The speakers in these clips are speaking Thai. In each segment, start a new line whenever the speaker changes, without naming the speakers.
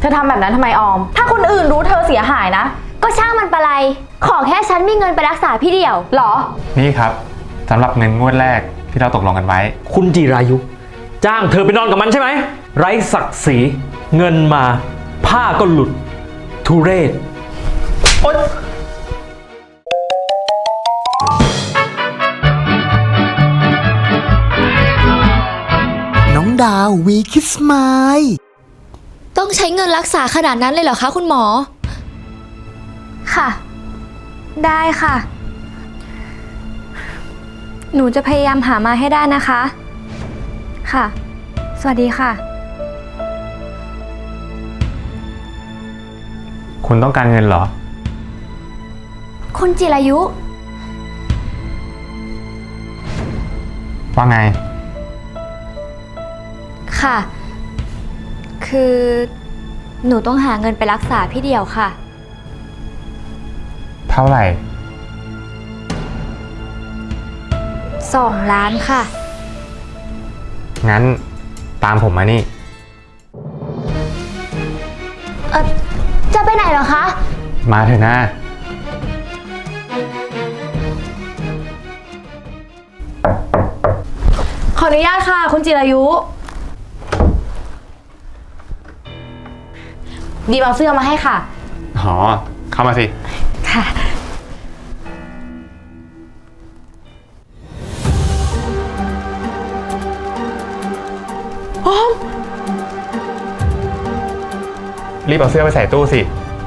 ธอทำแบบนั้นทำไมออม ถ้าคนอื่นรู้เธอเสียหายนะ
ก็ช่างมันปะไรขอแค่ฉันมีเงินไปรักษาพี่เดี่ยว
หรอ
นี่ครับสำหรับเงินงวดแรกที่เราตกลงกันไว้
คุณจิรายุ จ้างเธอไปนอนกับมันใช่ไหม ไร้ศักดิ์ศรีเงินมาผ้าก็หลุดทุเรศโอ๊ย
น้องดาววีคิสไมล์
ต้องใช้เงินรักษาขนาดนั้นเลยเหรอคะคุณหมอค่ะได้ค่ะหนูจะพยายามหามาให้ได้นะคะค่ะสวัสดีค่ะ
คุณต้องการเงินเหรอ
คุณจิรายุ
ว่าไง
ค่ะคือหนูต้องหาเงินไปรักษาพี่เดี่ยวค่ะ
เท่าไหร่
2 ล้านค่ะ
งั้นตามผมมานี่
จะไปไหนเหรอคะ
มาเถอะนะ
ขออนุญาตค่ะ คุณจิรายุดีมเอาเสื้อมาให้ค่ะ
อ๋อ เข้ามาสิ
ค่ะ ออม
รีบเอาเสื้อไปใส่ตู้สิ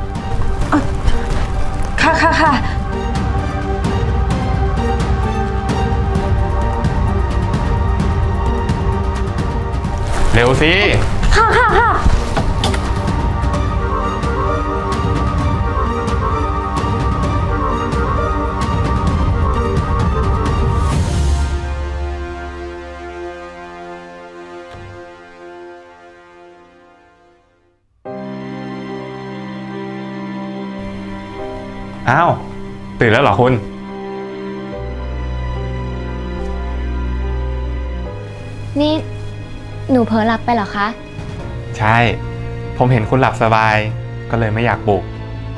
ค่ะค่ะค่ะ
เร็วสิ
ค่ะค่ะค่ะ
อ้าว ตื่นแล้วเหรอคุณ
นี่หนูเผลอหลับไปเหรอคะ
ใช่ ผมเห็นคุณหลับสบาย ก็เลยไม่อยากปลุก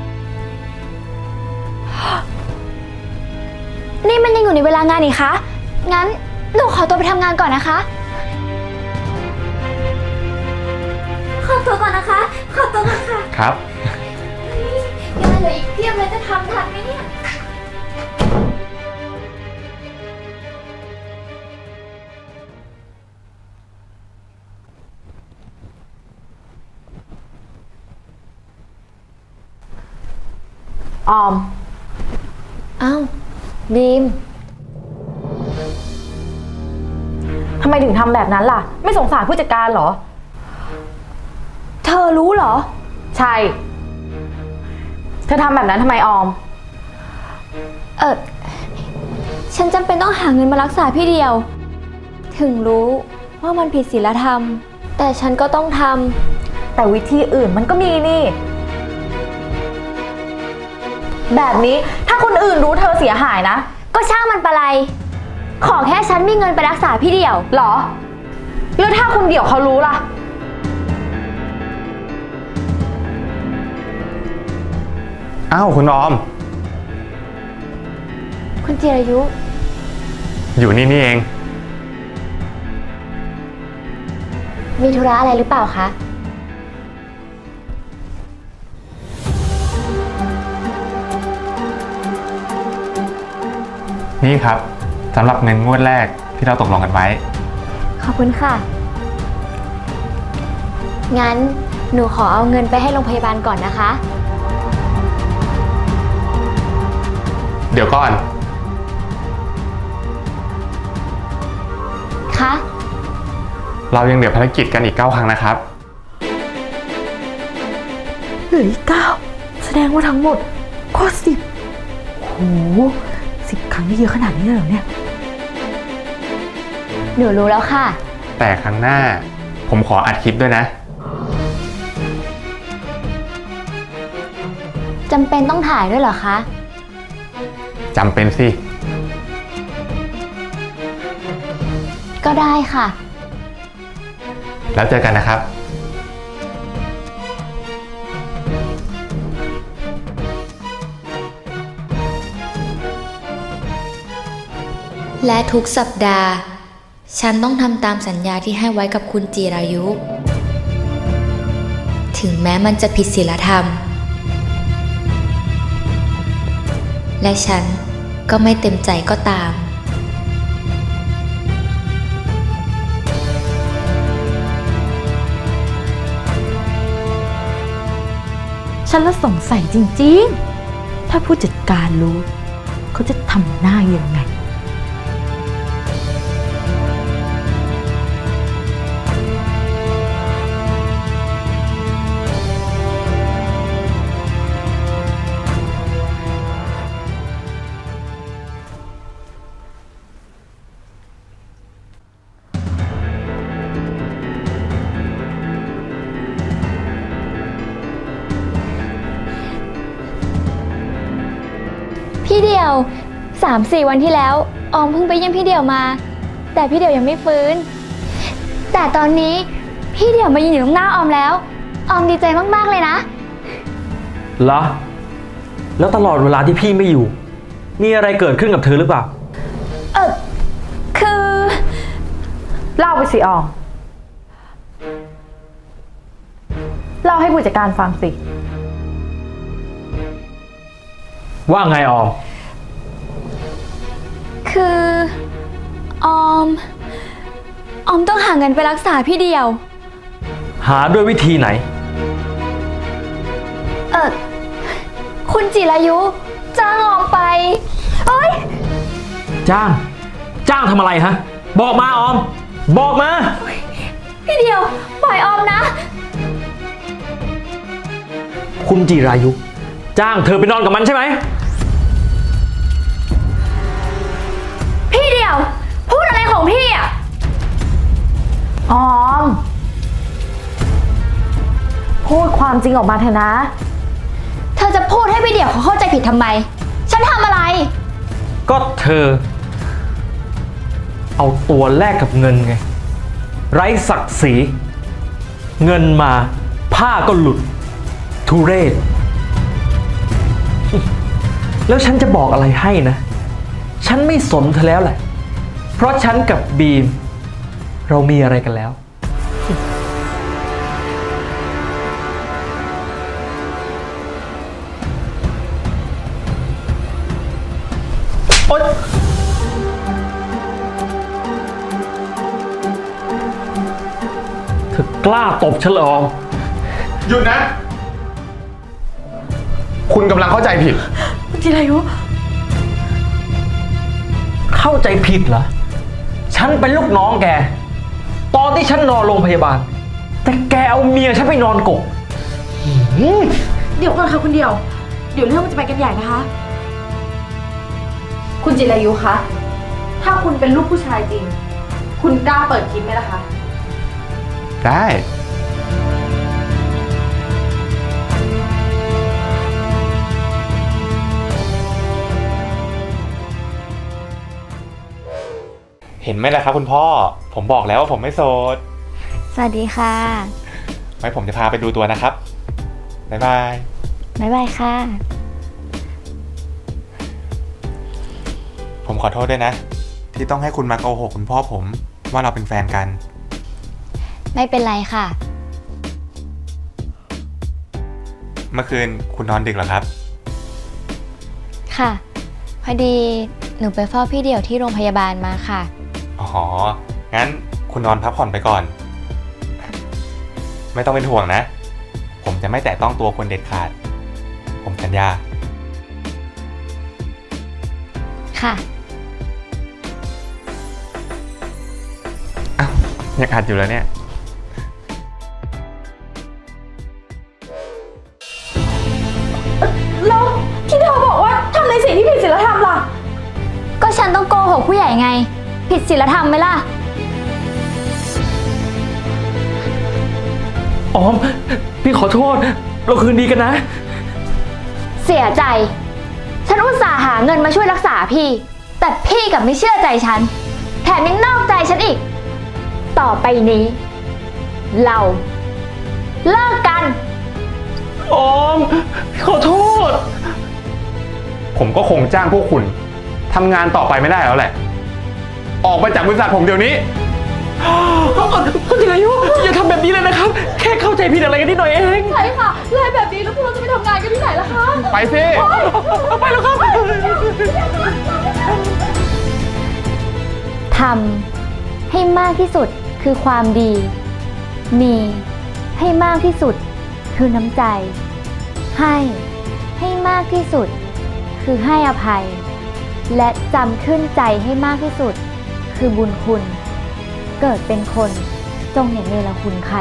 นี่มันยังอยู่ในเวลางานนี่คะงั้นหนูขอตัวไปทำงานก่อนนะคะขอตัวก่อนนะคะขอตัวก่อนค่ะ
ครับ
งานเหลืออีกเพียบเลยจะทำทันไหมเนี่ย
ออม
อ้าวบีม
ทำไมถึงทำแบบนั้นล่ะ ไม่สงสารผู้จัดการเหรอ
เธอรู้เหรอ
ใช่ เธอทำแบบนั้นทำไมออม
ฉันจำเป็นต้องหาเงินมารักษาพี่เดียว ถึงรู้ว่ามันผิดศีลธรรม แต่ฉันก็ต้องท
แต่วิธีอื่นมันก็มีนี่ แบบนี้ถ้าคนอื่นรู้เธอเสียหายนะ
ำก็ช่างมันปะไรขอแค่ฉันมีเงินไปรักษาพี่เดียว
หรอ แล้วถ้าคุณเดี่ยวเขารู้ล่ะ
อ้าว คุณออม
คุณจิรายุ
อยู่นี่นี่เอง
มีธุระอะไรหรือเปล่าคะ
นี่ครับสำหรับเงินงวดแรกที่เราตกลงกันไว้
ขอบคุณค่ะ งั้นหนูขอเอาเงินไปให้โรงพยาบาลก่อนนะคะ
เดี๋ยวก่อน
คะ
เรายังเหลือภารกิจกันอีก 9 ครั้งนะครับ
เหลืออีก9แสดงว่าทั้งหมดก็10โห10 ครั้งนี่เยอะขนาดนี้เลยเหรอเนี่ย
หนูรู้แล้วค่ะ
แต่ครั้งหน้าผมขออัดคลิปด้วยนะ
จำเป็นต้องถ่ายด้วยเหรอคะ
จำเป็นสิ
ก็ได้ค่ะ
แล้วเจอกันนะครับ
และทุกสัปดาห์ ฉันต้องทำตามสัญญาที่ให้ไว้กับคุณจิรายุ ถึงแม้มันจะผิดศีลธรรม และฉันก็ไม่เต็มใจก็ตาม
ฉันละสงสัยจริงๆ ถ้าผู้จัดการรู้ เขาจะทำหน้ายังไง
พี่เดียว 3-4 วันที่แล้วออมเพิ่งไปเยี่ยมพี่เดียวมา แต่พี่เดียวยังไม่ฟื้น แต่ตอนนี้พี่เดียวมายืนอยู่ตรงหน้าออมแล้วออมดีใจมากๆเลยนะ
เหรอ แล้วตลอดเวลาที่พี่ไม่อยู่ มีอะไรเกิดขึ้นกับเธอหรือเปล่า
คือ
เล่าไปสิออม เล่าให้ผู้จัดการฟังสิ
ว่าไงออม
คือออมต้องหาเงินไปรักษาพี่เดียว
หาด้วยวิธีไหน
คุณจิรายุจ้างออมไปเอ้ย
จ้างทำอะไรฮะ บอกมาออม บอกมา
พี่เดียวปล่อยออมนะ
คุณจิรายุ จ้างเธอไปนอนกับมันใช่ไหม
พี่เดียว พูดอะไรของพี่อ่ะ
ออม พูดความจริงออกมาเถอะนะ
เธอจะพูดให้พี่เดียวเขาเข้าใจผิดทำไม ฉันทำอะไร
ก็เธอ เอาตัวแลกกับเงินไง ไร้ศักดิ์ศรี เงินมาผ้าก็หลุด ทุเรศ แล้วฉันจะบอกอะไรให้นะ ฉันไม่สนเธอแล้วแหละ เพราะฉันกับบีม เรามีอะไรกันแล้ว โอ๊ยเธอกล้าตบฉันเหรอออม
หยุดนะ คุณกำลังเข้าใจผิด
คุณจิรายุ
เข้าใจผิดเหรอ ฉันเป็นลูกน้องแก ตอนที่ฉันนอนโรงพยาบาล แต่แกเอาเมียฉันไปนอนกกหืม
เดี๋ยวก่อนค่ะคุณเดียว เดี๋ยวเรื่องมันจะไปกันใหญ่นะคะ คุณจิรายุคะ ถ้าคุณเป็นลูกผู้ชายจริง คุณกล้าเปิดคลิปไหมล่ะคะ
ได้ เห็นไหมล่ะครับคุณพ่อ ผมบอกแล้วว่าผมไม่โสด
สวัสดีค่ะ
ไว้ผมจะพาไปดูตัวนะครับ บ๊ายบาย
บ๊ายบายค่ะ
ผมขอโทษด้วยนะ ที่ต้องให้คุณมาโกหกคุณพ่อผมว่าเราเป็นแฟนกัน
ไม่เป็นไรค่ะ
เมื่อคืนคุณนอนดึกเหรอครับ
ค่ะ พอดีหนูไปเฝ้าพี่เดี่ยวที่โรงพยาบาลมาค่ะ
อ๋อ งั้นคุณนอนพักผ่อนไปก่อน ไม่ต้องเป็นห่วงนะ ผมจะไม่แตะต้องตัวคุณเด็ดขาด ผมสัญญา
ค่ะ
อ้าวยังอัดอยู่แล้วเนี่ย
แล้วที่เธอบอกว่าทำในสิ่งที่ผิดศีลธรรมล่ะ
ก็ฉันต้องโกหกผู้ใหญ่ไง ผิดศีลธรรมไหมล่ะ
ออม พี่ขอโทษ เราคืนดีกันนะ
เสียใจ ฉันอุตส่าห์หาเงินมาช่วยรักษาพี่ แต่พี่กลับไม่เชื่อใจฉัน แถมยังนอกใจฉันอีก ต่อไปนี้ เราเลิกกัน
ออม ขอโทษ
ผมก็คงจ้างพวกคุณทำงานต่อไปไม่ได้แล้วแหละออกไปจากบริษัทผมเดี๋ยวนี้
คุณจิรายุอย่าทำแบบนี้เลยนะครับ แค่เข้าใจผิดอะไรกันนิดหน่อยเอง
ใช่ค่ะไล่แบบนี้แล้วพวกเราจะไปทำงานกันที่ไหนล่ะคะ
ไปสิ
ไปแล้วครับ
ทำให้มากที่สุดคือความดี มีให้มากที่สุดคือน้ำใจ ให้มากที่สุดคือให้อภัย และจำขึ้นใจให้มากที่สุดคือบุญคุณ เกิดเป็นคนจงอย่าเนรคุณใคร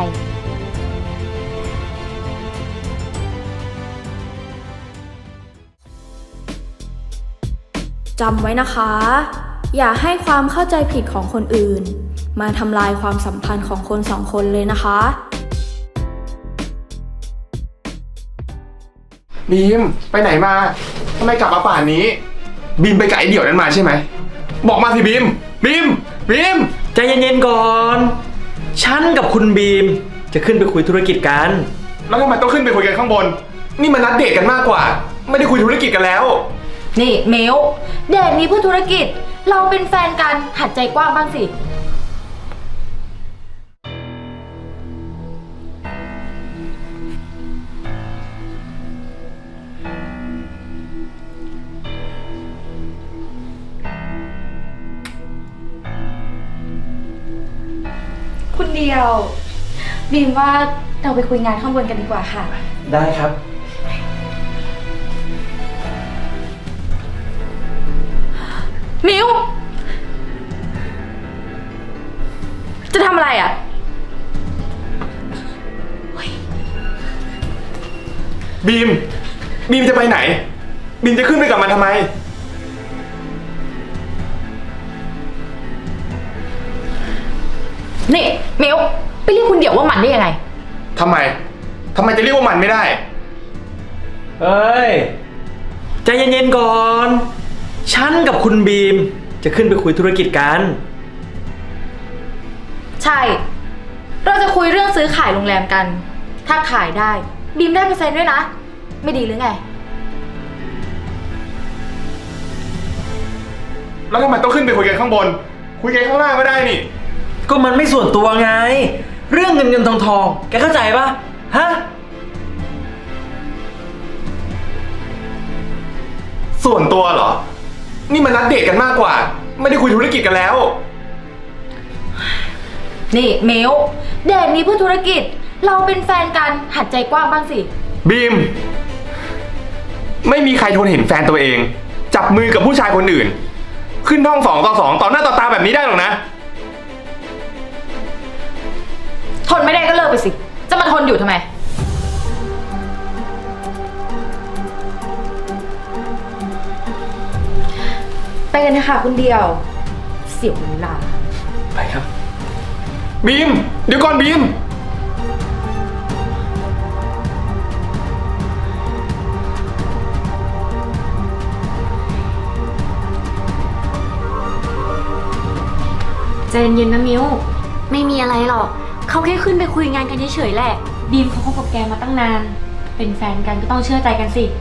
จำไว้นะคะ อย่าให้ความเข้าใจผิดของคนอื่น มาทำลายความสัมพันธ์ของคนสองคนเลยนะคะ
บีมไปไหนมาทำไมกลับมาป่านนี้ บีมไปกับไอเดี่ยวนั้นมาใช่ไหมบอกมาสิบีมบีม
ใจเย็นๆก่อน ฉันกับคุณบีมจะขึ้นไปคุยธุรกิจกัน
แล้วทำไมต้องขึ้นไปคุยกันข้างบน นี่มันนัดเดทกันมากกว่า ไม่ได้คุยธุรกิจกันแล้ว
นี่เมลเดทนี้เพื่อธุรกิจ เราเป็นแฟนกันหัดใจกว้างบ้างสิ
คุณเดียวบีมว่าเราไปคุยงานข้างบนกันดีกว่าค่ะ
ได้ครับ
มิวจะทำอะไรอ่ะ
บีมจะไปไหน บีมจะขึ้นไปกับมันทำไม
นี่มิวไปเรียกคุณเดี่ยวว่ามันได้ยังไง
ทำไมจะเรียกว่ามันไม่ได้
เฮ้ย ใจเย็นๆก่อน ฉันกับคุณบีมจะขึ้นไปคุยธุรกิจกัน
ใช่ เราจะคุยเรื่องซื้อขายโรงแรมกัน ถ้าขายได้บีมได้เปอร์เซ็นต์ด้วยนะ ไม่ดีหรือไง
แล้วทำไมต้องขึ้นไปคุยกันข้างบน คุยกันข้างล่างก็ได้นี่
ก็มันไม่ส่วนตัวไง เรื่องเงินทองแกเข้าใจปะฮะ
ส่วนตัวเหรอ นี่มันนัดเดทกันมากกว่า ไม่ได้คุยธุรกิจกันแล้ว
นี่เมลเดทนี้เพื่อธุรกิจ เราเป็นแฟนกันหัดใจกว้างบ้างสิ
บีม ไม่มีใครทนเห็นแฟนตัวเอง จับมือกับผู้ชายคนอื่น ขึ้นห้อง2 ต่อ 2ต่อหน้าต่อตาแบบนี้ได้หรอกนะ
ทนไม่ได้ก็เลิกไปสิ จะมาทนอยู่ทำไม
ไปกันนะคะคุณเดียว
เสียเวลา
ไปครับ
บีม เดี๋ยวก่อนบีม
ใจเย็นๆนะมิวไม่มีอะไรหรอก เขาแค่ขึ้นไปคุยงานกันเฉยๆแหละบีมเขาคบกับแกมาตั้งนาน เป็นแฟนกันก็ต้องเชื่อใจกันสิ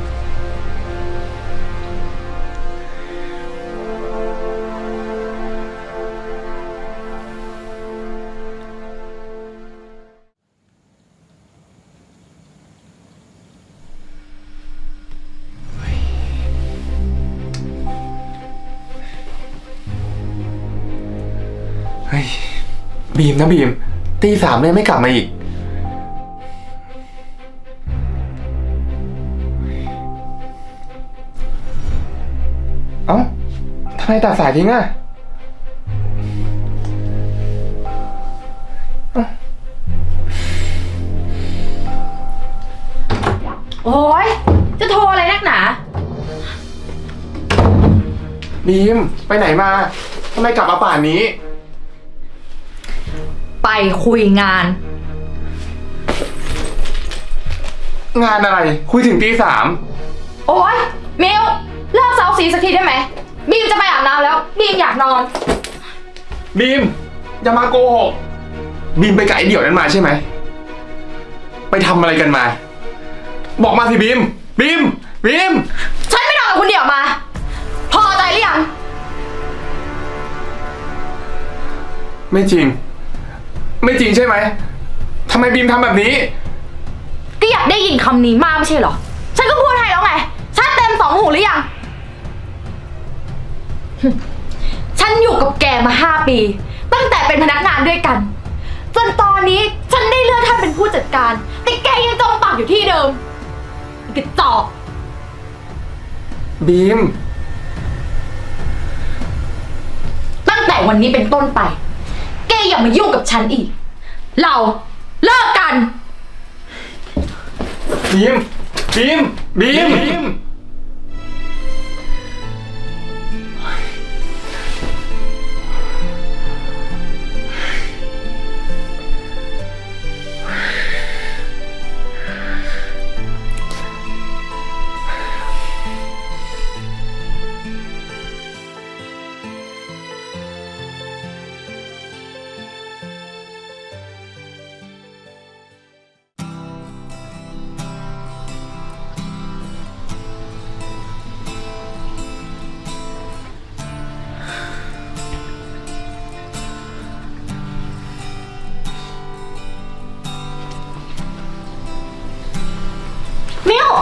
เฮ้ย บีมนะบีม ตี 3เลยไม่กลับมาอีก เอ้าทำไมตัดสายทิ้งอ่ะ
โอ้ยจะโทรอะไรนักหนา
บีม ไปไหนมาทำไมกลับมาป่านนี้
ไปคุยงาน
งานอะไร คุยถึงตี
โอ๊ยมิวเลิกเซาซีสักทีได้ไหมบีมจะไปอาบน้ำแล้วบีมอยากนอน
3บีม อย่ามาโกหก บีมไปกับไอเดี่ยวนั้นมาใช่ไหม ไปทำอะไรกันมา บอกมาสิบีม บีม
ฉันไม่นอนกับคุณเดี่ยวมา พอใจหรือยัง
ไม่จริง ไม่จริงใช่ไหมทำไมบีมทำแบบนี้
ก็อยากได้ยินคำนี้มากไม่ใช่เหรอ ฉันก็พูดให้แล้วไง ฉันเต็มสองหูหรือยัง ฉันอยู่กับแกมา5 ปี ตั้งแต่เป็นพนักงานด้วยกัน จนตอนนี้ฉันได้เลื่อนขั้นเป็นผู้จัดการ แต่แกยังจมปากอยู่ที่เดิมกระจอก
บีม
ตั้งแต่วันนี้เป็นต้นไป แกอย่ามายุ่งกับฉันอีก เราเลิกกัน
บีม บีม บีม
มิว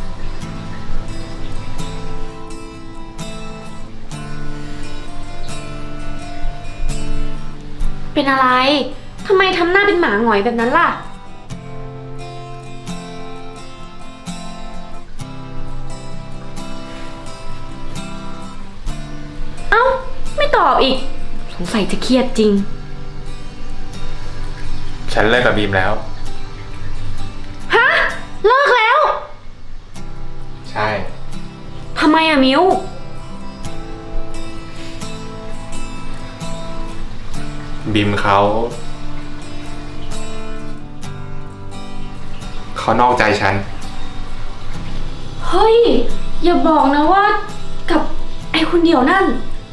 เป็นอะไร ทำไมทำหน้าเป็นหมาหงอยแบบนั้นล่ะ เอ้า ไม่ตอบอีก สงสัยจะเครียดจริง
ฉันเลิกกับบีมแล้ว
ฮะ เลิกแล้ว
ใช่
ทำไมอะมิว
บีมเขานอกใจฉัน
เฮ้ย อย่าบอกนะว่า กับไอ้คนเดียวนั่น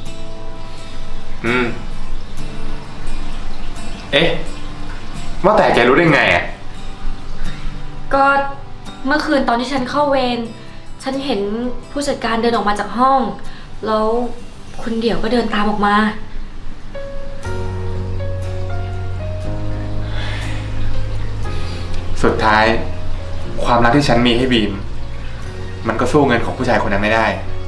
เอ๊ะ ว่าแต่แกรู้ได้ไงอ่ะ
ก็เมื่อคืนตอนที่ฉันเข้าเวร ฉันเห็นผู้จัดการเดินออกมาจากห้อง แล้วคุณเดี่ยวก็เดินตามออกมา
สุดท้าย ความรักที่ฉันมีให้บีม มันก็สู้เงินของผู้ชายคนนั้นไม่ได้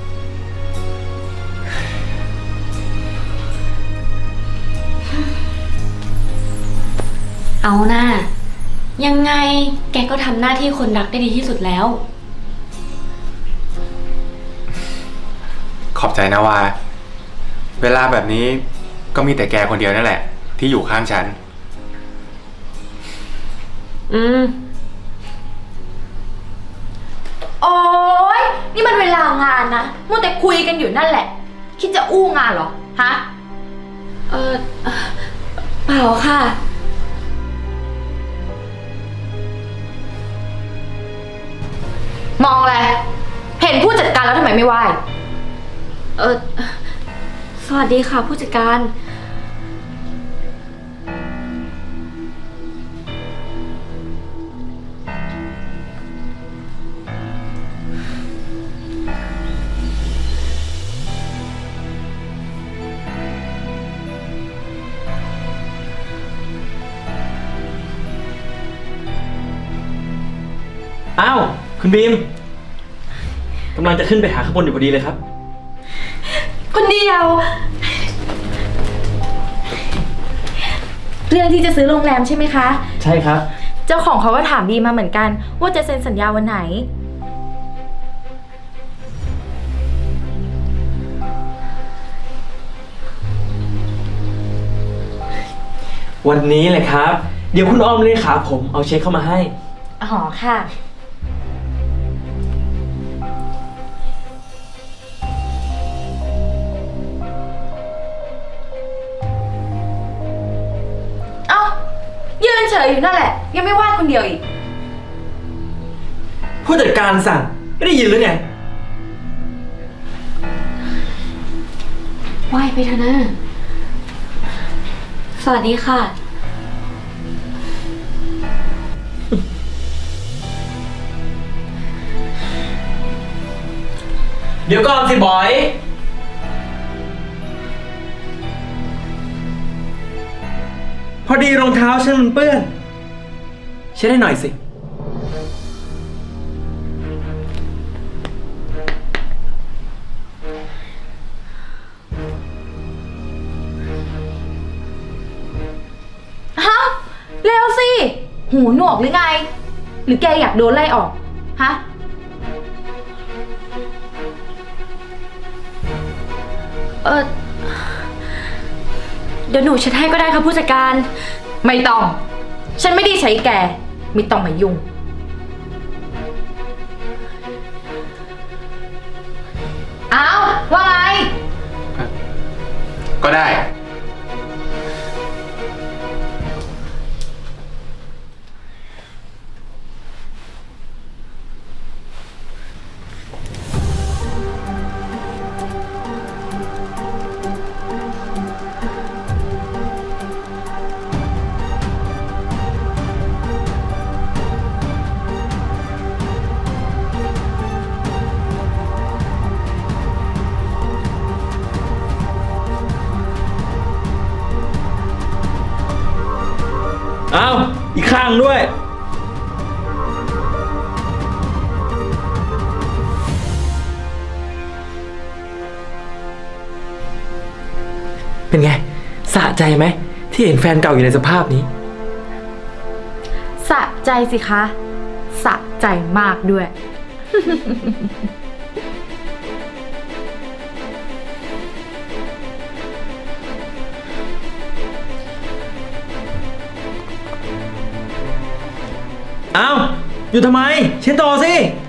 เอาหน้า ยังไงแกก็ทำหน้าที่คนรักได้ดีที่สุดแล้ว
ขอบใจนะว่า เวลาแบบนี้ก็มีแต่แกคนเดียวนั่นแหละ ที่อยู่ข้างฉัน
อืม
โอ๊ย นี่มันเวลางานนะมัวแต่คุยกันอยู่นั่นแหละ คิดจะอู้งานเหรอ ฮะ
เอ่อ เปล่าค่ะ
มองอะไร เห็นผู้จัดการแล้วทำไมไม่ไหว้
สวัสดีค่ะผู้จัดการ
อ้าว คุณบีมกำลังจะขึ้นไปหาข้างบนอยู่พอดีเลยครับ
คนเดียว เรื่องที่จะซื้อโรงแรมใช่ไหมคะ
ใช่ครับ
เจ้าของเขาก็ถามบีมาเหมือนกัน ว่าจะเซ็นสัญญาวันไหน
วันนี้เลยครับ เดี๋ยวคุณออมเลขาผมเอาเช็คเข้ามาให้
อ๋อค่ะ เอ้า ยืนเฉยอยู่นั่นแหละ ยังไม่ว่าคนเดียวอีก
ผู้จัดการสั่งไม่ได้ยินหรือไง
ไหว้ไปเถอะนะ สวัสดีค่ะ
เดี๋ยวก่อนสิบอยพอดีรองเท้าฉันมันเปื้อนเช็ดให้หน่อยสิ
ฮะเร็วสิ หูหนวกหรือไง หรือแกอยากโดนไล่ออก ฮะ
เดี๋ยวหนูเช็ดให้ก็ได้ค่ะผู้จัดการ
ไม่ต้อง ฉันไม่ได้ใช้แก ไม่ต้องมายุ่ง อ้าว ว่าไง
ก็ได้
อ้าว อีกข้างด้วย เป็นไง สะใจไหม ที่เห็นแฟนเก่าอยู่ในสภาพนี้
สะใจสิคะ สะใจมากด้วย
อ้าว อยู่ทำไม เช็ดต่อสิ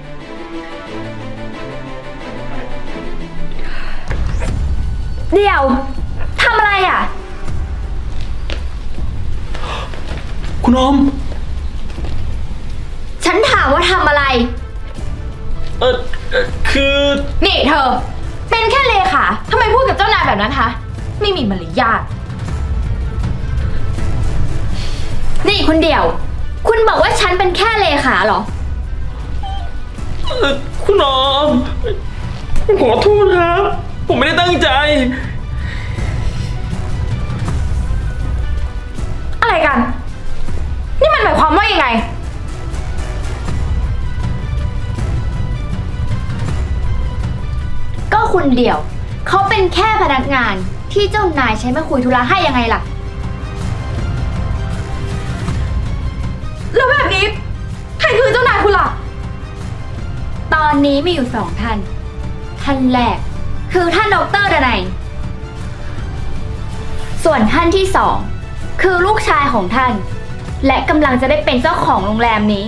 เดี๋ยวทำอะไรอ่ะ
คุณอม
ฉันถามว่าทำอะไร
คือ
นี่เธอ เป็นแค่เลขาทำไมพูดกับเจ้านายแบบนั้นคะ ไม่มีมารยาท
นี่คุณเดี่ยว คุณบอกว่าฉันเป็นแค่เลขาเหรอ
คุณอมผมขอโทษครับ ผมไม่ได้ตั้งใจ
อะไรกัน นี่มันหมายความว่ายังไง
ก็คุณเดี่ยว เขาเป็นแค่พนักงานที่เจ้านายใช้มาคุยธุระให้ยังไงล่ะ
แล้วแบบนี้ ใครคือเจ้านายคุณล่ะ
ตอนนี้มีอยู่2 ท่าน ท่านแรกคือท่านดร.ดนัย ส่วนท่านที่2คือลูกชายของท่าน และกำลังจะได้เป็นเจ้าของโรงแรมนี้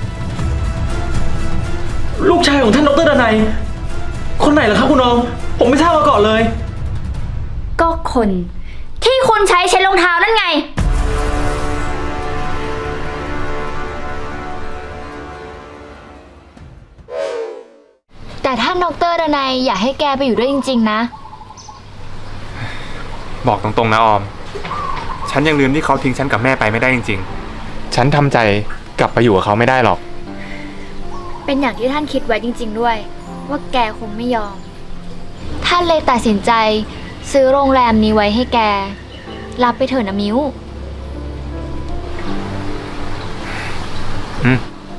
ลูกชายของท่านดรดนัย คนไหนเหรอครับคุณอม ผมไม่ทราบมาก่อนเลย
ก็คนที่คุณใช้เช็ดรองเท้านั่นไง แต่ท่านดร.ดนัยอยากให้แกไปอยู่ด้วยจริงๆนะ
บอกตรงๆนะออม ฉันยังลืมที่เขาทิ้งฉันกับแม่ไปไม่ได้จริงๆ ฉันทำใจกลับไปอยู่กับเขาไม่ได้หรอก
เป็นอย่างที่ท่านคิดไว้จริง ๆด้วย ว่าแกคงไม่ยอม ท่านเลยตัดสินใจซื้อโรงแรมนี้ไว้ให้แก รับไปเถอะนะมิ้ว
อืม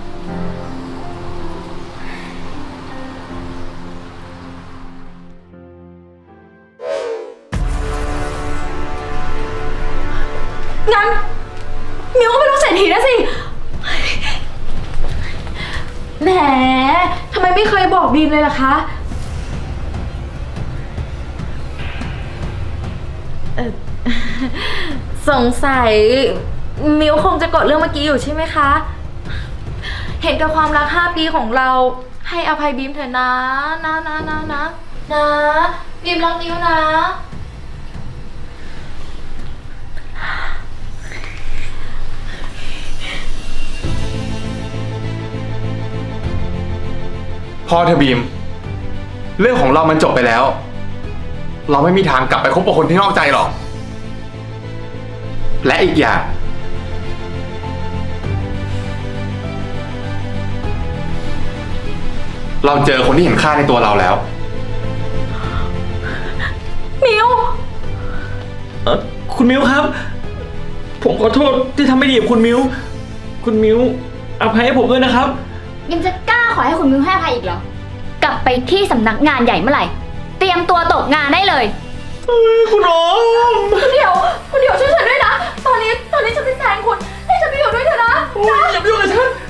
งั้น มิวก็เป็นลูกเศรษฐีนะสิ แหมทำไมไม่เคยบอกบีมเลยล่ะคะ สงสัย มิวคงจะกดเรื่องเมื่อกี้อยู่ใช่ไหมคะ เห็นกับความรัก5 ปีของเรา ให้อภัยบีมเถอะนะบีมรักมิวนะ
พอเธอะบีม เรื่องของเรามันจบไปแล้ว เราไม่มีทางกลับไปคบกับคนที่นอกใจหรอก และอีกอย่าง เราเจอคนที่เห็นค่าในตัวเราแล้ว
มิว
คุณมิวครับผมขอโทษที่ทำไม่ดีกับคุณมิวคุณมิวอภัยให้ผมด้วยนะครับ
ยังจะกล้าขอให้คุณมิวให้อภัยอีกเหรอ กลับไปที่สำนักงานใหญ่เมื่อไหร่ เตรียมตัวตกงานได้เลย
คุณออม
คุณเดี๋ยวช่วยฉันด้วยนะ ตอนนี้ฉันเป็นแฟนคุณ ให้ฉันไปอยู่ด้วยเถอะนะ
อย่าไปยุ่งกับฉัน